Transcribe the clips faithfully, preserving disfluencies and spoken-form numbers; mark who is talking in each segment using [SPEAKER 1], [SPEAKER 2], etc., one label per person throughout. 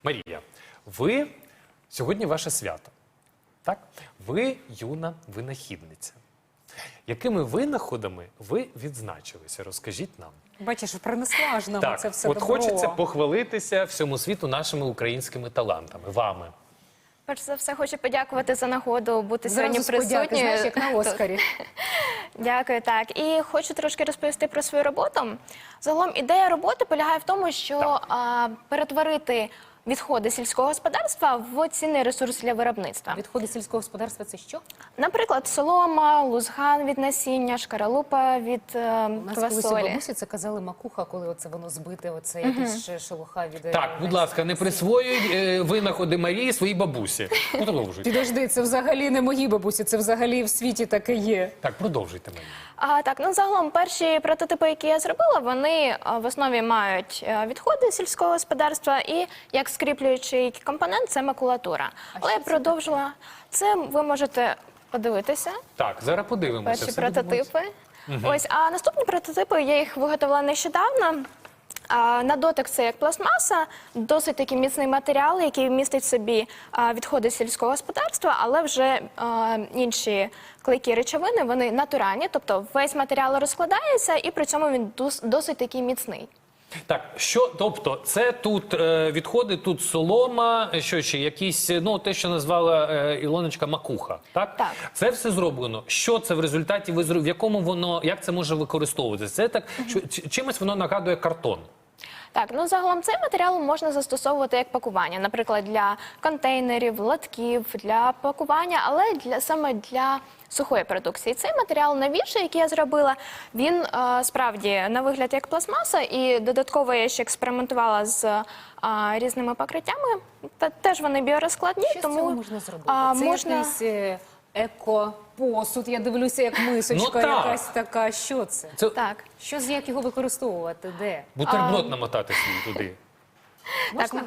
[SPEAKER 1] Марія, ви сьогодні ваше свято, так? Ви юна винахідниця. Якими винаходами ви відзначилися? Розкажіть нам.
[SPEAKER 2] Бачиш, принесла ж нам
[SPEAKER 1] Так,
[SPEAKER 2] це все
[SPEAKER 1] от
[SPEAKER 2] добро.
[SPEAKER 1] хочеться похвалитися всьому світу нашими українськими талантами, вами.
[SPEAKER 3] Перш за все, хочу подякувати за нагоду бути
[SPEAKER 2] Зразу
[SPEAKER 3] сьогодні
[SPEAKER 2] з подяки,
[SPEAKER 3] присутньою.
[SPEAKER 2] знаєш, як на Оскарі.
[SPEAKER 3] Дякую, так. І хочу трошки розповісти про свою роботу. Загалом ідея роботи полягає в тому, що а, перетворити відходи сільського господарства в цінний ресурс для виробництва.
[SPEAKER 2] Відходи сільського господарства – це що?
[SPEAKER 3] Наприклад, солома, лузган від насіння, шкаралупа від е,
[SPEAKER 2] У нас колись у
[SPEAKER 3] квасолі.
[SPEAKER 2] бабусі це казали макуха, коли оце воно збите, оце якась ще шелуха від... е,
[SPEAKER 1] Так, будь ласка, не присвоюй е, винаходи Марії своїй бабусі. Ну, продовжуйте.
[SPEAKER 2] Підожди, це взагалі не мої бабусі, це взагалі в світі таке є.
[SPEAKER 1] Так, продовжуйте, Марія.
[SPEAKER 3] А, так, ну загалом перші прототипи, які я зробила, вони а, в основі мають а, відходи сільського господарства і як скріплюючий компонент це макулатура. Але я продовжила. Це ви можете подивитися.
[SPEAKER 1] Так, зараз подивимося.
[SPEAKER 3] Перші
[SPEAKER 1] Все
[SPEAKER 3] прототипи. Ось, а наступні прототипи, я їх виготовила нещодавно. А, на дотик це як пластмаса, досить такий міцний матеріал, який містить в собі а, відходи сільського господарства, але вже а, інші клейкі речовини, вони натуральні, тобто весь матеріал розкладається і при цьому він дос- досить такий міцний.
[SPEAKER 1] Так, що, тобто, це тут е, відходи, тут солома, що ще, якісь, ну, те, що назвала е, Ілоночка, макуха, так?
[SPEAKER 3] Так.
[SPEAKER 1] Це все зроблено. Що це в результаті ви зробили, в якому воно, як це може використовуватися? Це так, що, чи- чимось воно нагадує картон.
[SPEAKER 3] Так, ну загалом цей матеріал можна застосовувати як пакування, наприклад, для контейнерів, лотків, для пакування, але для саме для сухої продукції. Цей матеріал новіший, який я зробила, він е, справді на вигляд як пластмаса, і додатково я ще експериментувала з е, різними покриттями. Та теж вони біорозкладні,
[SPEAKER 2] Що з
[SPEAKER 3] тому
[SPEAKER 2] цього можна зробити?
[SPEAKER 3] а,
[SPEAKER 2] Це
[SPEAKER 3] можна...
[SPEAKER 2] якийсь е, еко-посуд, я дивлюся, як мисочка
[SPEAKER 1] Ну, так.
[SPEAKER 2] якась така. Що це?
[SPEAKER 1] Це
[SPEAKER 3] Так.
[SPEAKER 2] Що, з як його використовувати? Де?
[SPEAKER 1] бутерброд намотати свій туди.
[SPEAKER 2] Можна?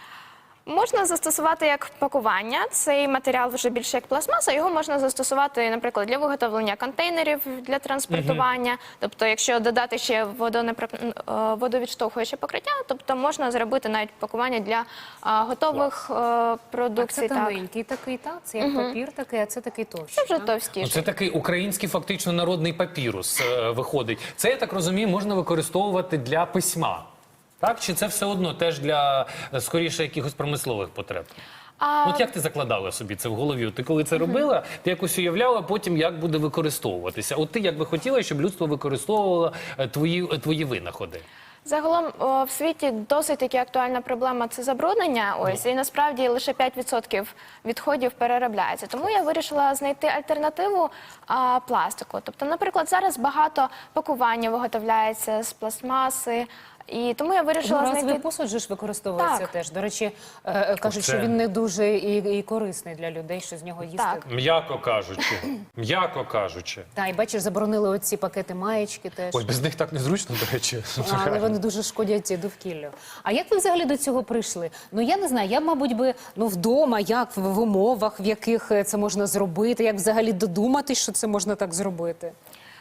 [SPEAKER 3] Можна застосувати як пакування. Цей матеріал вже більше як пластмаса. Його можна застосувати, наприклад, для виготовлення контейнерів для транспортування. Тобто, якщо додати ще водонепро- е, водовідштовхуюче покриття, тобто можна зробити навіть пакування для е, готових е,
[SPEAKER 2] Так,
[SPEAKER 3] продукцій.
[SPEAKER 2] це
[SPEAKER 3] Так.
[SPEAKER 2] тоненький такий, так? Це як папір такий, а це такий товщий.
[SPEAKER 3] Це вже
[SPEAKER 2] так?
[SPEAKER 1] Ну,
[SPEAKER 3] товстіше.
[SPEAKER 1] це такий український фактично народний папірус е, виходить. Це, я так розумію, можна використовувати для письма. Так? Чи це все одно теж для, е, скоріше, якихось промислових потреб?
[SPEAKER 3] А,
[SPEAKER 1] От як ти закладала собі це в голові? Ти коли це робила, ти якось уявляла потім, як буде використовуватися. От ти як би хотіла, щоб людство використовувало е, твої, е, твої винаходи?
[SPEAKER 3] Загалом о, в світі досить таки актуальна проблема – це забруднення. Ось, і насправді лише п'ять відсотків відходів переробляється. Тому я вирішила знайти альтернативу а, пластику. Тобто, наприклад, зараз багато пакування виготовляється з пластмаси, і тому я вирішила
[SPEAKER 2] Одноразовий
[SPEAKER 3] знайти...
[SPEAKER 2] посуд же ж використовується
[SPEAKER 3] Так.
[SPEAKER 2] теж. До речі, е, е, кажуть,
[SPEAKER 1] Оце.
[SPEAKER 2] що він не дуже і, і корисний для людей, що з нього їсти.
[SPEAKER 3] Так.
[SPEAKER 1] М'яко кажучи. М'яко кажучи.
[SPEAKER 2] Та, і бачиш, заборонили оці пакети маєчки теж.
[SPEAKER 1] Ой, без них так незручно, до речі.
[SPEAKER 2] Але вони дуже шкодять довкіллю. А як ви взагалі до цього прийшли? Ну, я не знаю, я, мабуть, би, ну, вдома, як, в, в умовах, в яких е, це можна зробити, як взагалі додуматись, що це можна так зробити?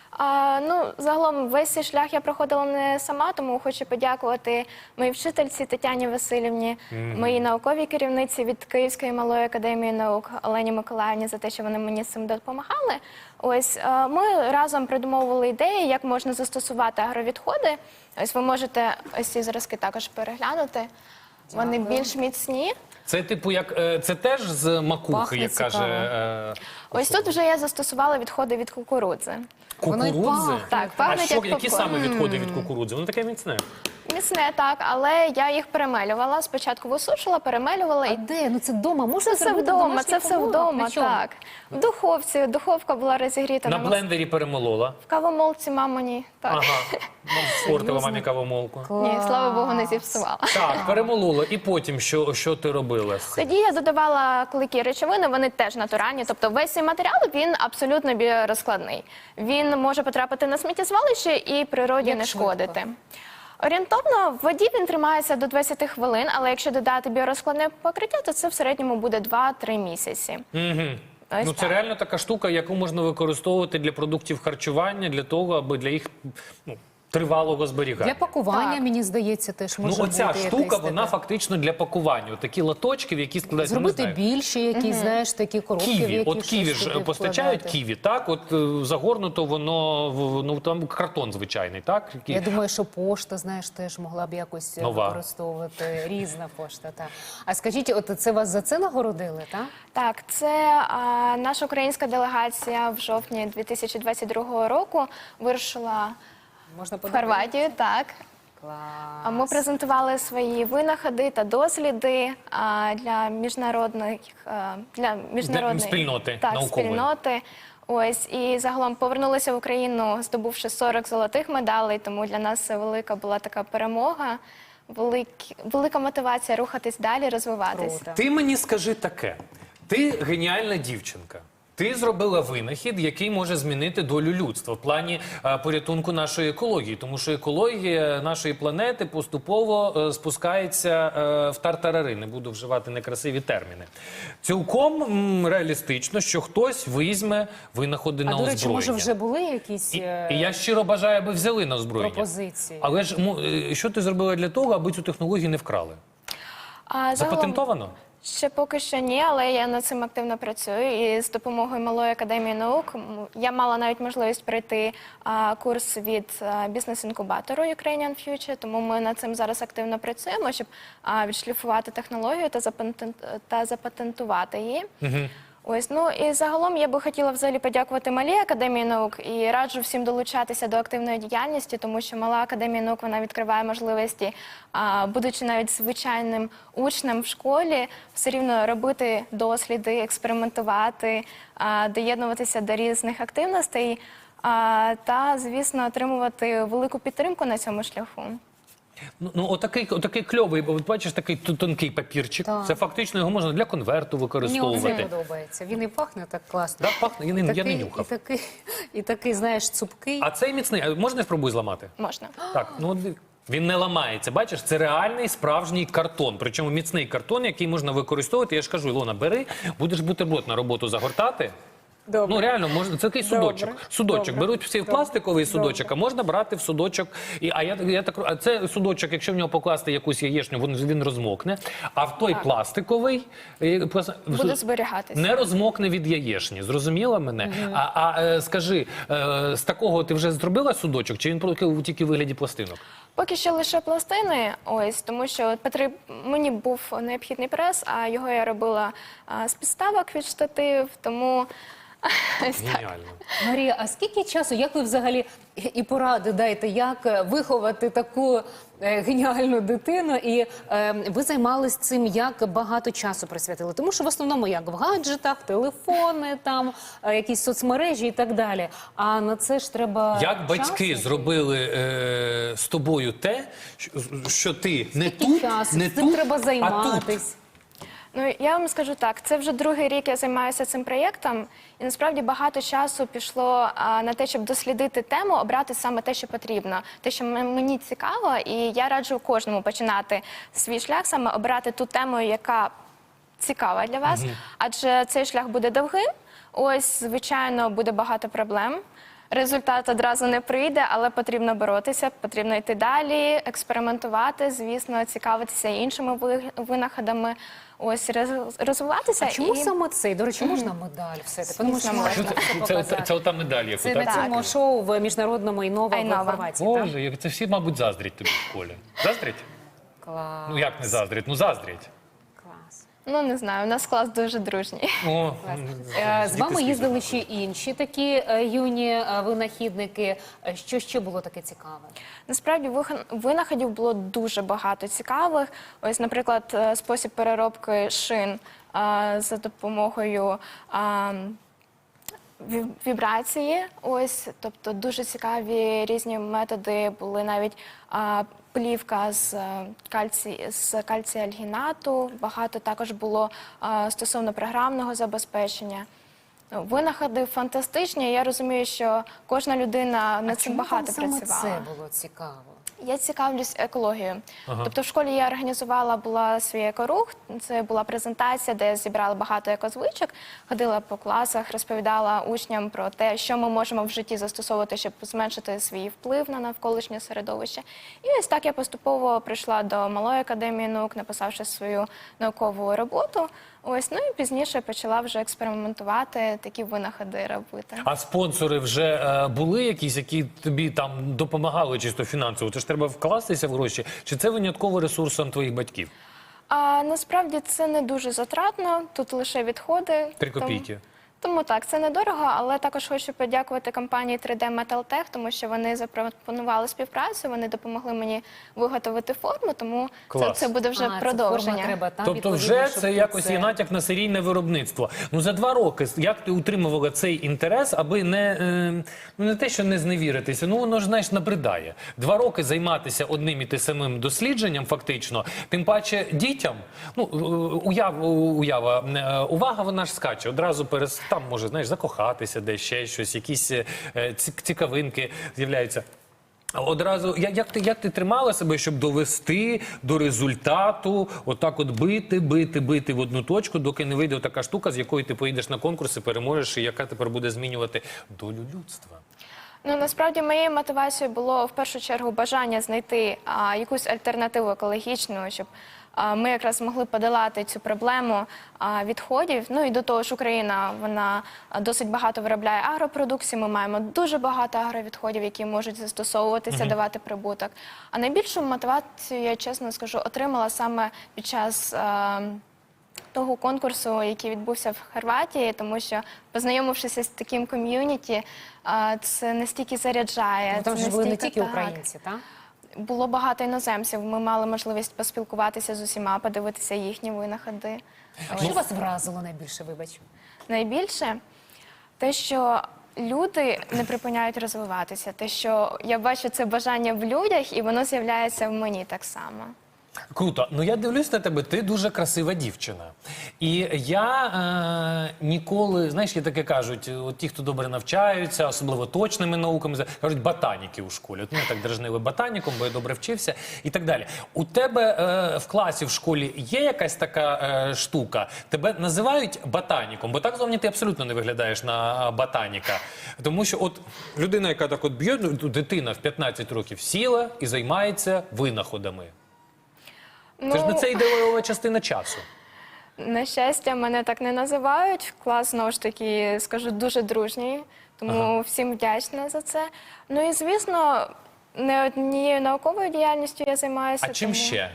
[SPEAKER 3] А, ну, загалом весь цей шлях я проходила не сама, тому хочу подякувати моїй вчительці Тетяні Васильівні, моїй науковій керівниці від Київської малої академії наук Олені Миколаївні за те, що вони мені з цим допомагали. Ось е, ми разом придумовували ідеї, як можна застосувати агровідходи. Ось ви можете ось ці зразки також переглянути. Вони більш міцні.
[SPEAKER 1] Це типу як е, це теж з макухи,
[SPEAKER 2] Пахне
[SPEAKER 1] як каже
[SPEAKER 2] цікаво.
[SPEAKER 1] е,
[SPEAKER 3] Ось тут вже я застосувала відходи від кукурудзи.
[SPEAKER 2] Воно й
[SPEAKER 1] кукурудзи.
[SPEAKER 2] пахне.
[SPEAKER 3] Так,
[SPEAKER 1] А
[SPEAKER 3] пахнуть
[SPEAKER 1] що,
[SPEAKER 3] як
[SPEAKER 1] які
[SPEAKER 3] попкорн.
[SPEAKER 1] саме відходи від кукурудзи? Воно таке міцне.
[SPEAKER 3] Міцне, так, але я їх перемелювала. Спочатку висушила, перемелювала
[SPEAKER 2] А
[SPEAKER 3] і
[SPEAKER 2] де? Ну це вдома. Можна
[SPEAKER 3] це все
[SPEAKER 2] зробити в
[SPEAKER 3] вдома,
[SPEAKER 2] домашніх
[SPEAKER 3] це все
[SPEAKER 2] умовах?
[SPEAKER 3] вдома,
[SPEAKER 2] На чому?
[SPEAKER 3] так. В духовці, духовка була розігріта.
[SPEAKER 1] На
[SPEAKER 3] на мас-
[SPEAKER 1] блендері перемолола.
[SPEAKER 3] В кавомолці мамині, так.
[SPEAKER 1] Ага. Спортила мамі кавомолку.
[SPEAKER 3] Ні, слава Богу, не зіпсувала.
[SPEAKER 1] Так, перемолола. І потім що, що ти робила з цим?
[SPEAKER 3] Тоді я додавала клейкі речовини, вони теж натуральні. Тобто весь цей матеріал, він абсолютно біорозкладний. Він може потрапити на сміттєзвалище і природі
[SPEAKER 2] Як
[SPEAKER 3] не
[SPEAKER 2] швидко?
[SPEAKER 3] шкодити. Орієнтовно в воді він тримається до двадцяти хвилин, але якщо додати біорозкладне покриття, то це в середньому буде два-три місяці.
[SPEAKER 1] Угу.
[SPEAKER 3] Ось
[SPEAKER 1] Ну, це
[SPEAKER 3] так.
[SPEAKER 1] реально така штука, яку можна використовувати для продуктів харчування, для того, аби для їх ну, тривалого зберігання.
[SPEAKER 2] Для пакування,
[SPEAKER 3] Так.
[SPEAKER 2] мені здається, теж може
[SPEAKER 1] Ну, оця
[SPEAKER 2] бути
[SPEAKER 1] штука,
[SPEAKER 2] якесь
[SPEAKER 1] вона
[SPEAKER 2] таке.
[SPEAKER 1] фактично для пакування. Такі лоточки, в які складаються, ми
[SPEAKER 2] Зробити
[SPEAKER 1] знаємо.
[SPEAKER 2] більші якісь, знаєш, такі коробки, в
[SPEAKER 1] Ківі,
[SPEAKER 2] які
[SPEAKER 1] от
[SPEAKER 2] щось
[SPEAKER 1] ківі ж
[SPEAKER 2] туди
[SPEAKER 1] постачають
[SPEAKER 2] вкладати.
[SPEAKER 1] ківі, так? От е, загорнуто воно, в- ну там картон звичайний, так? Який-
[SPEAKER 2] Я думаю, що пошта, знаєш, теж могла б якось е,
[SPEAKER 1] Нова.
[SPEAKER 2] використовувати. Різна пошта, так. А скажіть, от це вас за це нагородили, так?
[SPEAKER 3] Так, це а, наша українська делегація в жовтні дві тисячі двадцять другого року вирушила
[SPEAKER 2] Можна
[SPEAKER 3] в
[SPEAKER 2] подивитися?
[SPEAKER 3] Хорватію. Так.
[SPEAKER 2] Клас.
[SPEAKER 3] А Ми презентували свої винаходи та досліди а, для міжнародних а, для міжнародної
[SPEAKER 1] спільноти
[SPEAKER 3] так,
[SPEAKER 1] наукової.
[SPEAKER 3] спільноти. Ось і загалом повернулися в Україну, здобувши сорок золотих медалей. Тому для нас це велика була така перемога, велик, велика мотивація рухатись далі, розвиватись.
[SPEAKER 2] Круто.
[SPEAKER 1] Ти мені скажи таке. Ти геніальна дівчинка. Ти зробила винахід, який може змінити долю людства в плані е, порятунку нашої екології, тому що екологія нашої планети поступово е, спускається е, в тартарари. Не буду вживати некрасиві терміни. Цілком м, реалістично, що хтось візьме винаходи
[SPEAKER 2] А,
[SPEAKER 1] на
[SPEAKER 2] до речі,
[SPEAKER 1] озброєння.
[SPEAKER 2] може вже були якісь
[SPEAKER 1] І,
[SPEAKER 2] е,
[SPEAKER 1] і я щиро бажаю, аби взяли на озброєння.
[SPEAKER 2] пропозиції?
[SPEAKER 1] Але ж му- е, що ти зробила для того, аби цю технологію не вкрали?
[SPEAKER 3] А загалом
[SPEAKER 1] Запатентовано?
[SPEAKER 3] ще поки що ні, але я над цим активно працюю. І з допомогою Малої академії наук м, я мала навіть можливість пройти а, курс від а, бізнес-інкубатору Ukrainian Future, тому ми над цим зараз активно працюємо, щоб а, відшліфувати технологію та, запатент, та запатентувати її. Ось, ну і загалом я би хотіла взагалі подякувати Малій академії наук і раджу всім долучатися до активної діяльності, тому що Мала академія наук вона відкриває можливості, а, будучи навіть звичайним учнем в школі, все рівно робити досліди, експериментувати, а, доєднуватися до різних активностей а, та, звісно, отримувати велику підтримку на цьому шляху.
[SPEAKER 1] Ну, ну отакий, отакий кльовий, бо от бачиш, такий ту- тонкий папірчик.
[SPEAKER 2] Так.
[SPEAKER 1] Це фактично його можна для конверту
[SPEAKER 2] Мені оце
[SPEAKER 1] використовувати.
[SPEAKER 2] подобається. Він і пахне так класно.
[SPEAKER 1] Да, пахне, я, не, я не
[SPEAKER 2] І
[SPEAKER 1] нюхав.
[SPEAKER 2] такий, і такий, знаєш, цупкий.
[SPEAKER 1] А цей міцний, а можна я спробую зламати?
[SPEAKER 3] Можна.
[SPEAKER 1] Так, ну от він не ламається. Бачиш, це реальний справжній картон. Причому міцний картон, який можна використовувати. Я ж кажу, Ілона, бери, будеш бутерброд на роботу загортати.
[SPEAKER 2] Добре.
[SPEAKER 1] Ну реально можна, це такий судочок.
[SPEAKER 2] Добре.
[SPEAKER 1] Судочок
[SPEAKER 2] Добре.
[SPEAKER 1] беруть всі в
[SPEAKER 2] Добре.
[SPEAKER 1] пластиковий судочок,
[SPEAKER 2] Добре.
[SPEAKER 1] а можна брати в судочок. І а я я так а це судочок, якщо в нього покласти якусь яєчню, він, він розмокне. А в той пластиковий е, пласт-
[SPEAKER 3] Буде зберігатися.
[SPEAKER 1] не розмокне від яєчні. Зрозуміла мене? А, а е, скажи, е, з такого ти вже зробила судочок, чи він тільки- тільки в вигляді пластинок?
[SPEAKER 3] Поки що лише пластини, ось, тому що потріб... мені був необхідний прес, а його я робила а, з підставок від штатив, тому ось так.
[SPEAKER 1] Геніально.
[SPEAKER 2] Марія, а скільки часу, як ви взагалі і поради дайте, як е, виховати таку е, геніальну дитину? І е, ви займались цим, як багато часу присвятили? Тому що в основному як в гаджетах, телефони, там, е, якісь соцмережі і так далі. А на це ж треба
[SPEAKER 1] Як батьки
[SPEAKER 2] часу.
[SPEAKER 1] зробили е, з тобою те, що, що ти не
[SPEAKER 2] Скільки
[SPEAKER 1] тут,
[SPEAKER 2] часу?
[SPEAKER 1] не
[SPEAKER 2] Цим
[SPEAKER 1] тут,
[SPEAKER 2] треба
[SPEAKER 1] а тут.
[SPEAKER 2] займатись.
[SPEAKER 3] Ну, я вам скажу так, це вже другий рік я займаюся цим проєктом, і насправді багато часу пішло а, на те, щоб дослідити тему, обрати саме те, що потрібно, те, що м- мені цікаво, і я раджу кожному починати свій шлях, саме обрати ту тему, яка цікава для вас, адже цей шлях буде довгим, ось, звичайно, буде багато проблем. Результат одразу не прийде, але потрібно боротися, потрібно йти далі, експериментувати, звісно, цікавитися іншими ви- винаходами, ось роз- розвиватися.
[SPEAKER 2] А чому
[SPEAKER 3] і...
[SPEAKER 2] саме цей? До речі, можна медаль все-таки? Тому що
[SPEAKER 3] Звісно,
[SPEAKER 2] можна
[SPEAKER 1] Що це,
[SPEAKER 2] це
[SPEAKER 1] це, це,
[SPEAKER 2] показати.
[SPEAKER 1] це ота медаль, яку,
[SPEAKER 2] Це
[SPEAKER 1] так?
[SPEAKER 2] на цьому шоу в міжнародному Інова в
[SPEAKER 3] Айнова.
[SPEAKER 2] Хорватії. так?
[SPEAKER 1] Боже, як це всі, мабуть, заздрять тобі в школі. Заздрять?
[SPEAKER 2] Клас.
[SPEAKER 1] Ну як не заздрять? Ну заздрять.
[SPEAKER 2] Клас.
[SPEAKER 3] Ну, не знаю, у нас клас дуже дружній.
[SPEAKER 1] О,
[SPEAKER 2] Е, З
[SPEAKER 1] діти
[SPEAKER 2] вами
[SPEAKER 1] слізли.
[SPEAKER 2] їздили ще інші такі е, юні е, винахідники. Е, Що ще було таке цікаве?
[SPEAKER 3] Насправді вихан- винаходів було дуже багато цікавих. Ось, наприклад, е, спосіб переробки шин е, за допомогою а, ві- вібрації. Ось, тобто дуже цікаві різні методи були, навіть а, плівка з е, кальці з кальціальгінату. Багато також було а, стосовно програмного забезпечення. Ну, винаходи фантастичні. Я розумію, що кожна людина над цим
[SPEAKER 2] Чому
[SPEAKER 3] багато
[SPEAKER 2] вам саме
[SPEAKER 3] працювала.
[SPEAKER 2] це було цікаво?
[SPEAKER 3] Я цікавлюсь екологією. Тобто в школі я організувала була свій екорух. Це була презентація, де я зібрала багато екозвичок, ходила по класах, розповідала учням про те, що ми можемо в житті застосовувати, щоб зменшити свій вплив на навколишнє середовище. І ось так я поступово прийшла до Малої академії наук, написавши свою наукову роботу. Ось, ну і пізніше почала вже експериментувати, такі винаходи робити.
[SPEAKER 1] А спонсори вже е, були якісь, які тобі там допомагали чисто фінансово? Це ж треба вкластися в гроші? Чи це винятково ресурсом твоїх батьків?
[SPEAKER 3] А насправді це не дуже затратно, тут лише відходи.
[SPEAKER 1] Три
[SPEAKER 3] Тому-
[SPEAKER 1] копійки.
[SPEAKER 3] Тому так, це недорого, але також хочу подякувати компанії три де Metaltech, тому що вони запропонували співпрацю, вони допомогли мені виготовити форму, тому це,
[SPEAKER 1] Клас.
[SPEAKER 3] це буде вже
[SPEAKER 2] А, це
[SPEAKER 3] продовження.
[SPEAKER 2] форма треба, так,
[SPEAKER 1] Тобто
[SPEAKER 2] відповідно,
[SPEAKER 1] вже
[SPEAKER 2] щоб
[SPEAKER 1] це
[SPEAKER 2] тут
[SPEAKER 1] якось
[SPEAKER 2] це-
[SPEAKER 1] є натяк на серійне виробництво. Ну за два роки як ти утримувала цей інтерес, аби не, е, ну, не те, що не зневіритися, ну воно ж, знаєш, набридає. Два роки займатися одним і тим самим дослідженням фактично, тим паче дітям, ну е, уяв, уява, е, увага вона ж скаче, одразу перес, там може, знаєш, закохатися десь, ще щось, якісь е, ці- цікавинки з'являються. Одразу, як, як, ти, як ти тримала себе, щоб довести до результату, отак от бити, бити, бити в одну точку, доки не вийде така штука, з якою ти поїдеш на конкурси, переможеш, і яка тепер буде змінювати долю людства?
[SPEAKER 3] Ну, насправді, моєю мотивацією було в першу чергу бажання знайти а, якусь альтернативу екологічну, щоб а, ми якраз змогли подолати цю проблему а, відходів. Ну і до того ж, Україна, вона а, досить багато виробляє агропродукції, ми маємо дуже багато агровідходів, які можуть застосовуватися, давати прибуток. А найбільшу мотивацію, я чесно скажу, отримала саме під час а, того конкурсу, який відбувся в Хорватії, тому що, познайомившися з таким ком'юніті, а, це настільки заряджає.
[SPEAKER 2] Ну, там
[SPEAKER 3] це
[SPEAKER 2] ж були не
[SPEAKER 3] настільки
[SPEAKER 2] тільки
[SPEAKER 3] так.
[SPEAKER 2] українці, так?
[SPEAKER 3] Було багато іноземців. Ми мали можливість поспілкуватися з усіма, подивитися їхні винаходи.
[SPEAKER 2] А що вас вразило найбільше, вибач?
[SPEAKER 3] Найбільше те, що люди не припиняють розвиватися, те, що я бачу це бажання в людях, і воно з'являється в мені так само.
[SPEAKER 1] Круто. Ну я дивлюсь на тебе, ти дуже красива дівчина. І я е, ніколи, знаєш, є таке кажуть, от ті, хто добре навчаються, особливо точними науками, кажуть ботаніки у школі. От мене так дражнили ботаніком, бо я добре вчився і так далі. У тебе е, в класі в школі є якась така е, штука? Тебе називають ботаніком, бо так зовні ти абсолютно не виглядаєш на ботаніка. Тому що от людина, яка так от б'є, ну, дитина в п'ятнадцять років сіла і займається винаходами. Це ж не це ідеова частина часу.
[SPEAKER 3] На щастя, мене так не називають. Клас, знову ж таки, скажу, дуже дружній, тому
[SPEAKER 1] Ага.
[SPEAKER 3] всім вдячна за це. Ну і, звісно, не однією науковою діяльністю я займаюся.
[SPEAKER 1] А чим
[SPEAKER 3] тому-
[SPEAKER 1] ще?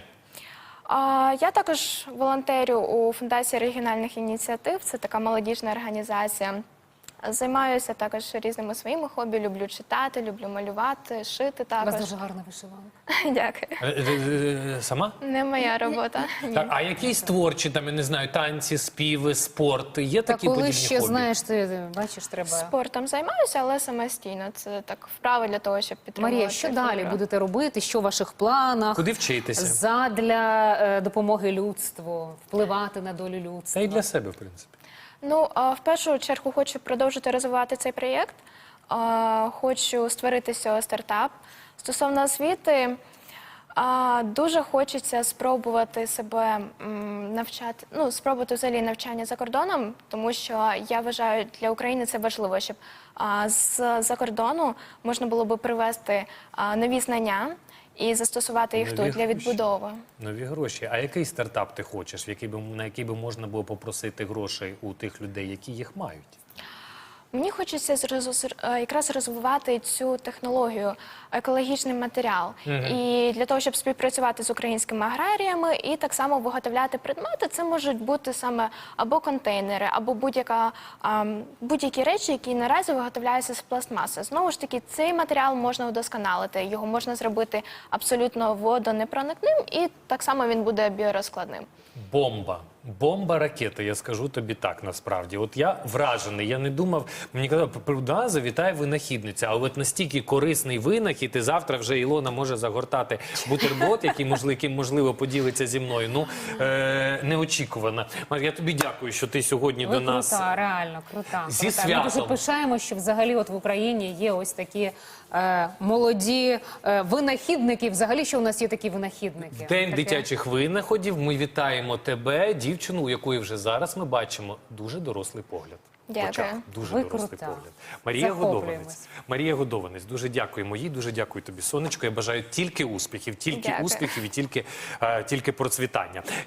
[SPEAKER 3] А, я також волонтерю у Фундації регіональних ініціатив, це така молодіжна організація. Займаюся також різними своїми хобі, люблю читати, люблю малювати, шити
[SPEAKER 2] У вас
[SPEAKER 3] також.
[SPEAKER 2] дуже гарна вишиванка.
[SPEAKER 3] Дякую.
[SPEAKER 1] Е, е, е, Сама?
[SPEAKER 3] Не моя робота. Ні.
[SPEAKER 1] Так, а якісь творчі, там, я не знаю, танці, співи, спорт, є
[SPEAKER 2] Та
[SPEAKER 1] такі
[SPEAKER 2] коли
[SPEAKER 1] подібні
[SPEAKER 2] ще,
[SPEAKER 1] хобі?
[SPEAKER 2] знаєш, ти бачиш, треба...
[SPEAKER 3] Спортом займаюся, але самостійно. Це так вправи для того, щоб підтримувати.
[SPEAKER 2] Марія, що далі
[SPEAKER 3] фігуру.
[SPEAKER 2] будете робити? Що в ваших планах?
[SPEAKER 1] Куди вчитися?
[SPEAKER 2] Задля е, допомоги людству, впливати на долю
[SPEAKER 1] Та
[SPEAKER 2] людства.
[SPEAKER 1] й для себе, в принципі.
[SPEAKER 3] Ну, а, в першу чергу хочу продовжити розвивати цей проєкт. А, Хочу створити з цього стартап. Стосовно освіти, а, дуже хочеться спробувати себе м, навчати, ну, спробувати взагалі навчання за кордоном, тому що я вважаю, для України це важливо, щоб а, з-за кордону можна було би привезти а, нові знання і застосувати їх
[SPEAKER 1] Нові
[SPEAKER 3] тут для
[SPEAKER 1] гроші.
[SPEAKER 3] відбудови.
[SPEAKER 1] Нові гроші. А який стартап ти хочеш, в який би, на який би можна було попросити грошей у тих людей, які їх мають?
[SPEAKER 3] Мені хочеться зроз- е, якраз розвивати цю технологію, екологічний матеріал. І для того, щоб співпрацювати з українськими аграріями і так само виготовляти предмети, це можуть бути саме або контейнери, або будь-яка, ам, будь-які речі, які наразі виготовляються з пластмаси. Знову ж таки, цей матеріал можна удосконалити, його можна зробити абсолютно водонепроникним, і так само він буде біорозкладним.
[SPEAKER 1] Бомба. Бомба ракета, я скажу тобі так, насправді. От я вражений, я не думав, мені казали, да, завітає винахідниця, але от настільки корисний винахід, і завтра вже Ілона може загортати бутерброд, який, можливо, яким, можливо, поділиться зі мною. Ну, е, неочікувано. Мар'я, я тобі дякую, що ти сьогодні
[SPEAKER 2] Ви
[SPEAKER 1] до нас.
[SPEAKER 2] крута, реально крута.
[SPEAKER 1] Зі
[SPEAKER 2] крута. Ми дуже
[SPEAKER 1] святом.
[SPEAKER 2] пишаємо, що взагалі от в Україні є ось такі е, молоді е, винахідники. Взагалі, що у нас є такі винахідники?
[SPEAKER 1] День
[SPEAKER 2] Таке.
[SPEAKER 1] дитячих винаходів. Ми вітаємо тебе, дівчину, у якої вже зараз ми бачимо дуже дорослий погляд. В
[SPEAKER 3] Дякую.
[SPEAKER 1] очах. Дуже
[SPEAKER 2] Ви
[SPEAKER 1] дорослий
[SPEAKER 2] крута.
[SPEAKER 1] погляд. Марія
[SPEAKER 2] Захоплюємось.
[SPEAKER 1] Годованець. Марія Годованець. Дуже дякуємо їй, дуже дякую тобі, сонечко. Я бажаю тільки успіхів, тільки
[SPEAKER 3] Дякую.
[SPEAKER 1] успіхів і тільки, е, тільки процвітання.